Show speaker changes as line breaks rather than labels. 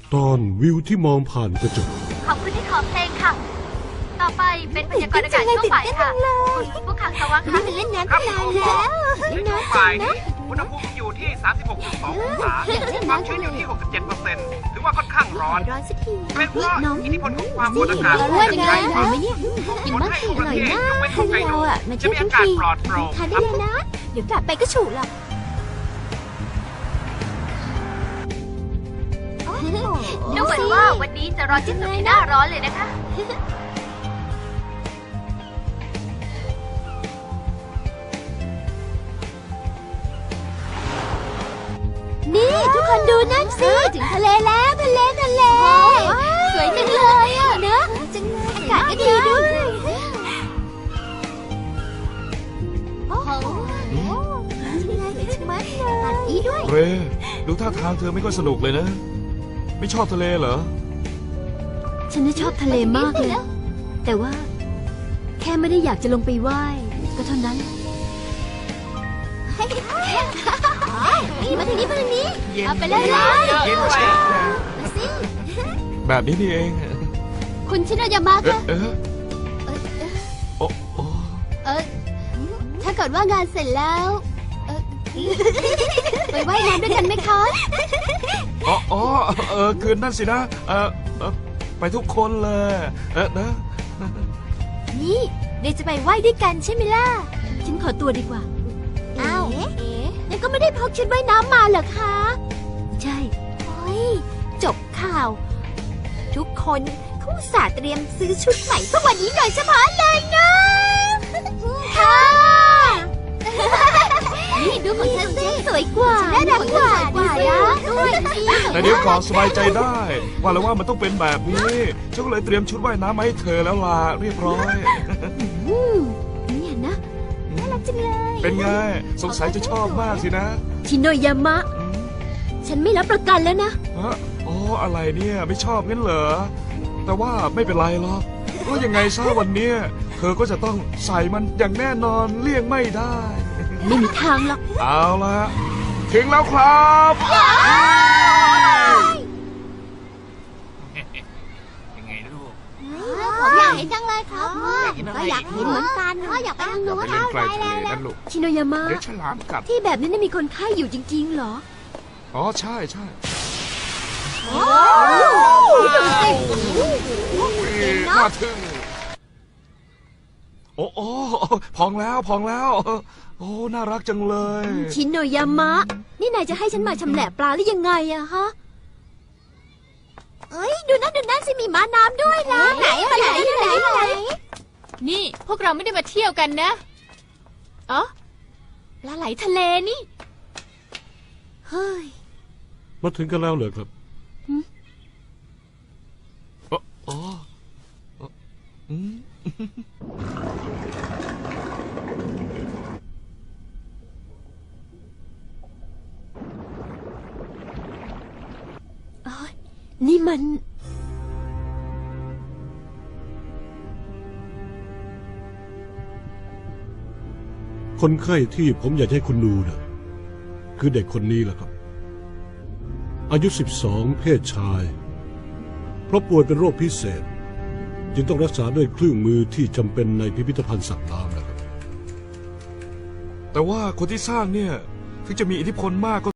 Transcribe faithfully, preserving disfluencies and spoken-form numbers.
ตอนวิวที่มองผ่านกระจก
ขอบคุณที่ขอเพลงค่ะ ต่อไปเป็นพยากรณ์อากาศช่วงบ่ายค่ะคุณผู้ขังสวัง
นี่
ค่ะ
มันเล่นน้ำตั้งนานแล้ว
ใน
เล่น
ช่วง
น้ำ
บ่า
จั
ย
งนะ
นี้อุณหภูมิอยู่ที่ สามสิบหกจุดสอง องศา
อยากเล่น
ความ
น้ำ
ชื้นอยู่
เลย
ที่ หกสิบเจ็ดเปอร์เซ็นต์ ถือว่าค่อนข้างร้อน
ร้อนสักที
เป็นเพราะ
น้อง
อิทธิพลของความกดอากาศ
เรา
สู
ว่าง
จาก
ไง
ชาย
อร่
ฝั่
อย
ง
ไหมเนี่ยกิน
ผล
มาก
ให้
สิ
ทุก
อ
ประ
ร่อย
เทศ
มาย
กเว้น
ก
ฮอกไกโด
เราอ่ะมา
จะ
เที่ยว
มี
ทั้
อาง กาศ
ที
ปลอดโปร่ง
ทาน
ค
ได้
รับ
เลยนะ เดี๋ยวกลับไปก็ฉุหรอก
ดูเหมือนว่าวันนี้จะร้อนที่สุดในหน้าร้อนเลยนะคะ
นี่ทุกคนดูนั่นสิถึงทะเลแล้วทะเลทะเลสวยจังเลยอ่ะเนอะจังเลยอากาศก็ดีด้วยโอ้โหสวยจังมั้ยตัดอีด้วย
เรดูท่าทางเธอไม่ค่อยสนุกเลยนะ ไม่ชอบทะเลเหรอ
ฉันน่ะชอบทะเลมากเลย แต่ว่า แค่ไม่ได้อยากจะลงไปว่ายก็เท่านั้น
นี่มาทางนี้มาทางนี้
เย็น
เอาไปเลยเลย
เย็นไป
มาสิ
แบบนี้นี่เอง
คุณชินายามะ
เอ๊ะ
คะ
เอ๊ะโอ้โอ้
เออถ้าเกิดว่างานเสร็จแล้วเออไปว่ายน้ำด้วยกันไหมคะ
อ๋ออ๋อเออคืนนั่นสินะเออเออไปทุกคนเลยเออนะ
นี่เดี๋ยวจะไปว่ายด้วยกันใช่ไหมล่ะ
ฉันขอตัวดีกว่า
อ้าวเอ๊ะนั่นก็ไม่ได้พกชุดว่ายน้ำมาเหรอคะ
ใช่
โอ้ยจบข่าว ทุกคนเขาอุตส่าห์เตรียมซื้อชุดใหม่เพื่อวันนี้โดยเฉพาะเลยนะค่ะนี่ดูของฉันสิสวยกว่าน่ารักกว่ากว่านะด้วยสิ
แต่เดี๋ยวก่อนสบายใจได้ ว่าแล้วว่ามันต้องเป็นแบบนี้ฉันก็เลยเตรียมชุดว่ายน้ำมาให้เธอแล้วล่ะเรียบร้อย
อืมเนี่ยนะ
น่ารักจังเลย
เป็นไงสงสัยจะชอบมากสินะ
ชินโนยามะ
อืม
ฉันไม่รับประกันแล้วนะ
ฮะอ๋ออะไรเนี่ยไม่ชอบงั้นเหรอแต่ว่าไม่เป็นไรหรอกเพราะยังไงซะวันเนี้ยเธอก็จะต้องใส่มันอย่างแน่นอนเลี่ยงไม่ได้
ไม่มีทางหรอก
เอาละถึงแล้วครับ
ยังไงลูก
ผมอยากเห็นจังเลยครับ
อยากเห็นอะไร
ก็อยากเห็นเหมือนกันก็อยากไปทาง
อย่า
นู้
ไป
น
เล่นใกล้ทะเลนั่นลูก
ชินโนยามะ
เดี๋ยวฉลามกัด
ที่แบบนี้น่ะมีคนไข้อยู่จริงๆเหรอ
อ๋อใช่ใช่
ดูสิ
น่าทึ่งโอ้โอ้พองแล้วพองแล้ว โอ้น่ารักจังเลย
ชินโนยามะ นี่นายจะให้ฉันมาชำแหละปลาหรือยังไงอะฮะ
เอ้ยดูนั่นดูนั่นสิมีม้าน้ำด้วยนะไหนไหนไหนไหนไหน
นี่พวกเราไม่ได้มาเที่ยวกันนะอ๋อปลาไหลทะเลนี่
เฮ้ย
มาถึงกันแล้วเหรอครับ
อ๋ออ๋ออืม
นี่มัน
คนไข้ที่ผมอยากให้คุณดูนะคือเด็กคนนี้แหละครับ อายุสิบสองเพศชาย เพราะป่วยเป็นโรคพิเศษ จึงต้องรักษาด้วยเครื่องมือที่จำเป็นในพิพิธภัณฑ์สัตว์น้ำนะครับ
แต่ว่าคนที่สร้างเนี่ยถึงจะมีอิทธิพลมากก็